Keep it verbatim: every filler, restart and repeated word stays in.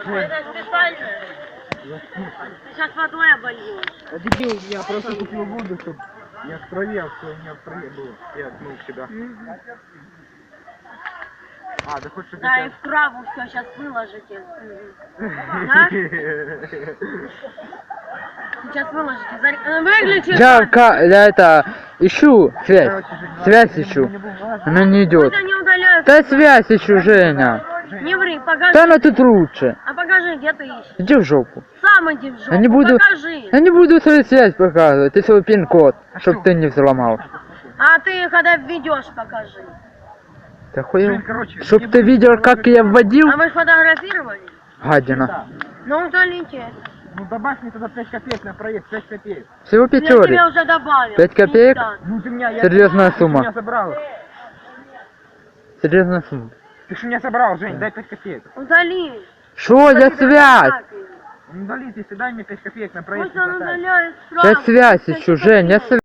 Это специально. Ты сейчас водой обольешь. А дебил, я просто купил воду, чтобы не в траве, а все не в траве было. Я отмыл себя. А, да хочешь, чтобы Да, я и в траву все сейчас выложите. Да? Сейчас выложите. Зар- Выключи. Я, ка, я это, ищу связь. Связь ищу. Она не идет. Пусть они удаляют. Да связь ищу, Женя. Не ври, покажи. Да она тут лучше. А покажи, где ты ищешь. Иди в жопу. Сам иди в жопу. Я не буду, Покажи. я не буду свою связь показывать. Ты свой пин-код, чтоб ты не взломал. А ты когда введешь, покажи. Ты охуел? Жень, короче, Чтоб не ты буду видел, как показывать. я вводил? А вы сфотографировали? Гадина. Ну удалите. Ну добавь мне тогда пять копеек на проезд, пять копеек. Всего Я тебе пятерик. уже добавил. Пять копеек? Да. Ну ты меня, я... Серьезная Ты сумма. меня собрал. Серьезная сумма. Ты что меня собрал, Жень, дай пять копеек. Удали. Шо за связь? Ну удали, если дай мне пять копеек на проезд. Пусть он не хватает. удаляет Я сразу. связь ищу, Жень, я связь.